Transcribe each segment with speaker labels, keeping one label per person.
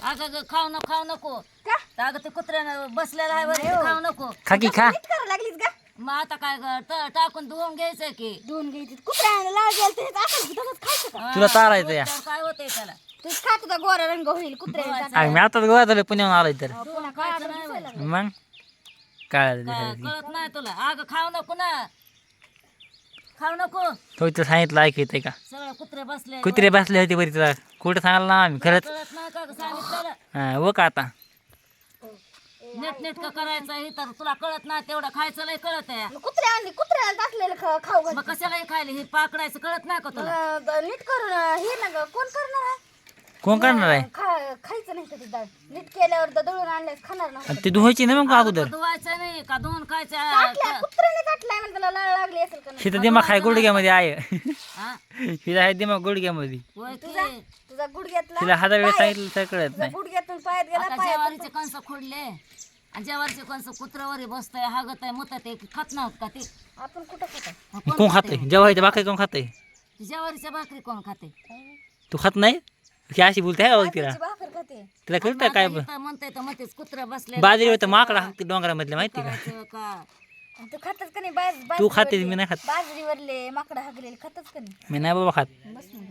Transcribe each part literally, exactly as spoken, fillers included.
Speaker 1: अगं ग खाऊ नको खाऊ नको का अगं ते कुत्र्यानं बसलेलं आहे वरती खाऊ नको
Speaker 2: खा की खा
Speaker 3: करायला लागलीस का
Speaker 1: मग आता काय ग ट- टाकून धुवून घ्यायचं की
Speaker 3: दोन घ्यायची कुत्र्याला लाळ गेलं तर असं तसंच खायचं का
Speaker 1: हा,
Speaker 2: तुला चारायचं या.
Speaker 1: तर काय होतंय त्याला
Speaker 3: तू खा तुझा गोरा रंग होईल कुत्र्याला
Speaker 2: अरे मी आताच गोळा झालं पुण्याहून आलोय तर
Speaker 3: पुन्हा खायचं नाही
Speaker 2: मग काय
Speaker 1: काय कळत नाही तुला अगं खाऊ नको ना खाऊ नको
Speaker 2: तो इथं सांगितलं ऐक येते का
Speaker 1: सगळं कुत्रे बसले
Speaker 2: कुत्रे बसले होते बरी तुला कुठं सांगाल ना आम्ही खरंच
Speaker 1: कळत नाही का ग सांगितलं
Speaker 2: हा वो का आता
Speaker 1: नेट नेटकं करायचं हे तर तुला कळत नाही तेवढं खायचं लय कळत आहे
Speaker 3: कुत्र्या आणली कुत्र्याला टाकलेलं खा- खाऊ घाल
Speaker 1: मग कशाला हे खायला हे पाकडायचं कळत नाही का तुला
Speaker 3: अं, नीट करून अं, हे ना ग कोण करणार आहे
Speaker 2: कोण करणार आहे
Speaker 3: खा- खायचं नाही कधी डाळ नीट केल्यावर तर दळून आणल्यास खाणार नाही
Speaker 2: आणि ते धुवायची ना मग का अगोदर
Speaker 1: धुवायचं नाही का धुवून खायचं
Speaker 3: काटल्या कुत्र्याने काटलाय म्हणजे त्याला लाळ लागली असेल का नाही
Speaker 2: हिथं दिमाग आहे गुडघ्यामध्ये आहे
Speaker 1: हा?
Speaker 2: हिथं आहे दिमाग गुडघ्यामध्ये
Speaker 1: होय की?
Speaker 3: तुझा गुडघ्यातला
Speaker 2: तिला हजार वेळेस सांगितलं तर कळत
Speaker 3: तुझा
Speaker 2: नाही
Speaker 3: गुडघ्यातून पायात गेला
Speaker 1: आता
Speaker 3: पायात
Speaker 1: जेवारीचे कंस खोडले आणि जेवारीचे कंस कुत्र्यावर बसतंय हागत आहे मुतत आहे खात नव्हत का ते
Speaker 3: आपण कुठं खातो
Speaker 1: कोण
Speaker 2: कोण खाते जेव्हा भाकरी कोण खाते
Speaker 1: जेवारीच्या भाकरी कोण खाते
Speaker 2: तू खात नाही की अशी बोलते आहे बघ तिला
Speaker 3: भाकर खाते
Speaker 2: तिला कळतं काय
Speaker 1: म्हणताय तर म्हणतेच कुत्रा बसले
Speaker 2: बाजरी होतं माकडा हाकते डोंगरामधल्या माहिती का
Speaker 1: करायचं का
Speaker 3: आणि तू खातच का नाही बाज बाज-
Speaker 2: तू खातेस मी नाही खात
Speaker 3: बाजरीवरले माकडं हागलेले खातच का नाही
Speaker 2: मी नाही बाबा खात
Speaker 3: बस ना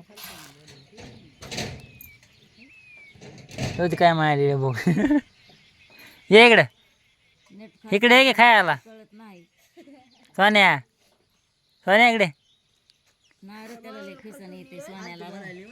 Speaker 2: होती काय माहिती बघ ये इकडं
Speaker 1: नीट खा
Speaker 2: इकडे ये की खायला
Speaker 1: कळत नाही
Speaker 2: सोन्या सोन्या इकडे
Speaker 1: नाही रे त्याला लय खिसन येते सोन्याला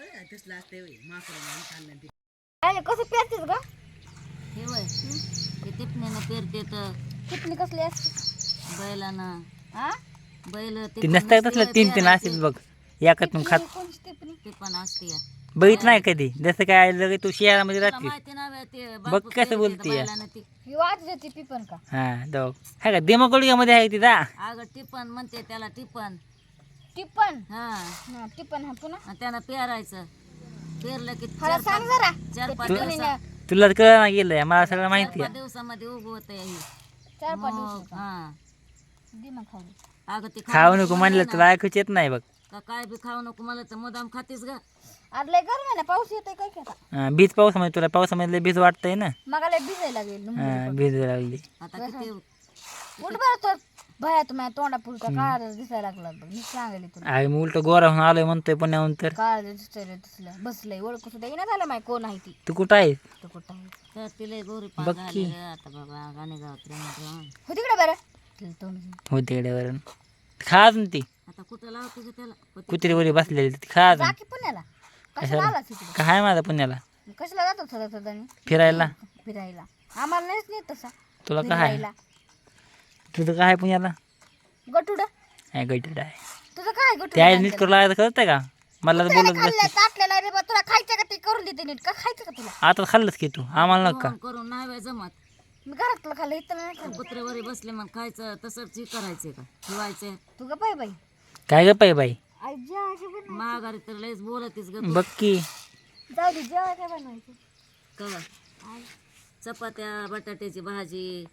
Speaker 3: अरे कसं पेरतेस ग
Speaker 1: हे वय हे टिपणीनं पेरते तर
Speaker 3: कितनी कसली असते
Speaker 1: बैलानं
Speaker 3: हा
Speaker 1: बैल
Speaker 2: ती नसतं तसलं तीन तीन असतील बघ एकात मग खात
Speaker 3: कोणची टिपणी
Speaker 1: ते पण असते या
Speaker 2: बघित नाही कधी जसं काय लगे तू शहरामध्ये
Speaker 1: तुला
Speaker 2: राहते
Speaker 1: माहिती नाही ते
Speaker 2: बघ
Speaker 1: बापू
Speaker 2: कसं
Speaker 1: पेरते
Speaker 2: बोलतीये.
Speaker 1: तर बैलानं ती
Speaker 3: ही वाज देते पिपण का
Speaker 2: हा जाऊ हाय का दिमाग गुडघ्यामध्ये आहे तिचा
Speaker 1: अगं टिपण म्हणते त्याला टिपण
Speaker 3: टिपण
Speaker 1: हा
Speaker 3: हा टिपण हा पुन्हा
Speaker 1: आणि त्यानं पेरायचं पेरलं की
Speaker 3: मला
Speaker 1: चार
Speaker 3: सांग
Speaker 1: पाच
Speaker 3: जरा
Speaker 1: चार पाच
Speaker 3: ते
Speaker 1: दिवसा
Speaker 3: टिपणीने
Speaker 2: तुला कळ ना गेलंय मला सगळं
Speaker 1: चार
Speaker 2: माहिती
Speaker 1: पाच
Speaker 2: आहे
Speaker 1: दिवसामध्ये उगवत ही
Speaker 3: चार पाच
Speaker 1: मग,
Speaker 3: दिवस
Speaker 1: हा
Speaker 3: दिमाग खाऊ
Speaker 1: अगं ते
Speaker 2: खाऊ नको म्हणलं तुला ऐकूच येत नाही बघ
Speaker 1: का काय बी खाऊ नको मला तर मुदाम खातीस ग
Speaker 3: आज लय गरम आहे ना पाऊस येतोय काय काय
Speaker 2: हा, बीज पावसामध्ये तुला पावसामध्ये बीज वाटतंय ना
Speaker 3: मग लय भिजायला लागेल
Speaker 2: हा, बीज लागली
Speaker 1: आता किती
Speaker 3: उठ बरं तर भया तुम्ही तोंडा पुरता काळा दिसायला लागला बघ मी सांगेल तुला
Speaker 2: आहे मी उलट गोरा होऊन आलोय म्हणतोय पुण्याहून तर
Speaker 3: काळा दिसायला दिसलं बसलंय ओळख सुद्धा येणार झालं माहिती कोण आहे ती
Speaker 2: तू कुठं आहे
Speaker 3: तो कुठं आहे
Speaker 1: तर तिला गोरी पान
Speaker 2: बघ
Speaker 1: झाली
Speaker 2: की.
Speaker 1: रे आता बाबा गाणे गावात राहून
Speaker 3: हो तिकडे बरं तिला तोंड घेऊन.
Speaker 2: होते इकडेवरून खा अजून ती
Speaker 1: आता कुठं लावते ग त्याला पती-
Speaker 2: कुत्रीवरी बसलेली ती खा अजून
Speaker 3: जा की पुण्याला कशाला आला तिकडे
Speaker 2: काय आहे माझा पुण्याला
Speaker 3: कशाला जातो सदा सदानी
Speaker 2: फिरायला
Speaker 3: फिरायला आम्हाला नाहीच नाही तसा
Speaker 2: तुला काय आहे?
Speaker 3: फिरायला
Speaker 2: तुझं काय आहे पुण्याला
Speaker 3: गटुड
Speaker 2: आहे गैटेड आहे
Speaker 3: तुझं काय
Speaker 2: ते
Speaker 3: गटुड
Speaker 2: आहे नीट करू लागायचं कळतंय का मला तर बोलत बस
Speaker 3: खाल्लं ताटलेला रे बा तुला खायचं का ते करून देते नीट का खायचं का तुला
Speaker 2: आता खाल्लंच की तू आम्हाला नका
Speaker 1: करून करून नाही बाई जमत
Speaker 3: मी घरातलं खाल्लं इथं नाही खाल्लं
Speaker 1: कुत्र्यावरी बसले मग खायचं तसंच हे करायचंय का ठेवायचं
Speaker 3: तू का पाय बाई
Speaker 2: काय ग पाय बाई
Speaker 3: आई जेवाय काय बनवायचं
Speaker 1: महागारी तर लयच बोलतीस ग तू.
Speaker 2: बघ की
Speaker 3: जाऊ दे जेवाय काय बनवायचं
Speaker 1: कवा चपात्या बटाट्याची भाजी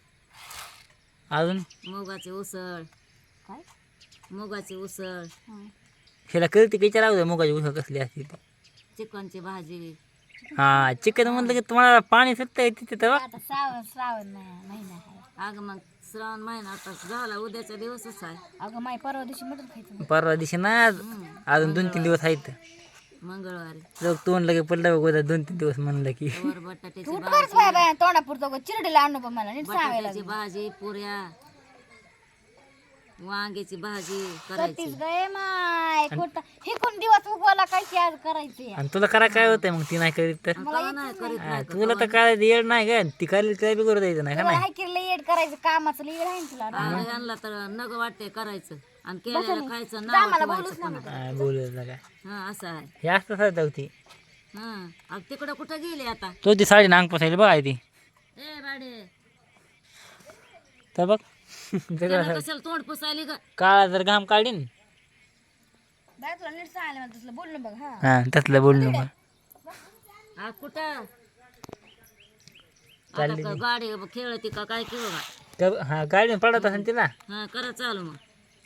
Speaker 2: अजून
Speaker 1: मुगाची उसळ
Speaker 3: काय
Speaker 1: मुगाची उसळ
Speaker 3: हा.
Speaker 2: हिला कळते की विचारावं मुगाची उसळ कसली असते ती
Speaker 1: चिकनची भाजी
Speaker 2: हा चिकन म्हणलं की तुम्हाला पाणी सुटतंय तिथे तर
Speaker 3: आता श्रावण श्रावण नाही महिना आहे
Speaker 1: अगं मग श्रावण महिना आता झाला उद्याचा दिवसच आहे
Speaker 3: अगं माय परवा दिवशी मटण खायचं
Speaker 2: परवा दिवशी नाही आज अजून दोन तीन दिवस आहेत
Speaker 1: मंगळवारी
Speaker 2: लोक तोंड लगे पडलं बघ उद्या दोन तीन दिवस म्हणलं की
Speaker 1: वर बटाट्याची
Speaker 3: तू उठवायच बाय बाय तोंडा पुरतो चिरडीला आणू पण मला नीट सांगायला
Speaker 1: बटाट्याची भाजी पुऱ्या वांग्याची भाजी करायची
Speaker 3: करतीस गय माय कुठं हे कोण दिवस उगवाला काय की आज करायचे
Speaker 2: आणि तुला करा काय होतंय मग ती नाही करीत तर
Speaker 1: का नाही करीत
Speaker 2: हा, तुला तर काय येड नाही का ती करायला तिला बी करू द्यायचं नाही का
Speaker 3: तुला
Speaker 2: नाही
Speaker 3: हाय की लेट करायचं कामाचं लेट आहे ना तुला
Speaker 1: अगं यांना तर नग वाटते करायचं आणि केलेलं खायचं
Speaker 3: जा
Speaker 1: नाव
Speaker 3: मला
Speaker 1: ठेवायचं
Speaker 3: बोलूच ना
Speaker 1: पुन्हा.
Speaker 2: हा, बोलत ना काय
Speaker 1: हा असं आहे
Speaker 2: हे असतं सर ती
Speaker 1: हा अग तिकडं कुठं गेली आता
Speaker 2: तो ती साडी नांग पसायला बघ आहे ती
Speaker 1: ए बाडे
Speaker 2: तर बघ
Speaker 1: त्यानं कशाला तोंड पुसायली ग
Speaker 2: काळा जर घाम काढीन
Speaker 3: बाय तुला नीट सांगायला मला तसलं बोलणं बघ हा
Speaker 2: हा तसलं बोलणं मग
Speaker 1: हा कुठं आता का गाडी खेळती का काय खेळ
Speaker 2: तर हा गाडी पडत असेल तिला
Speaker 1: हा करा चालू मग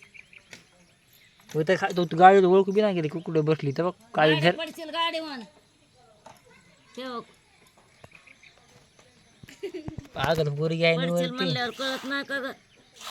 Speaker 2: होतं खा तू गाडी ओळखू बी नाही गेली कुठे बसली तर बघ काळी
Speaker 1: गाडी
Speaker 2: झर
Speaker 1: पडशील गाडी म्हण ठेव
Speaker 2: पागल पोरगी आहे
Speaker 1: पडशील
Speaker 2: निवडती
Speaker 1: म्हणल्यावर कळत नाही का ग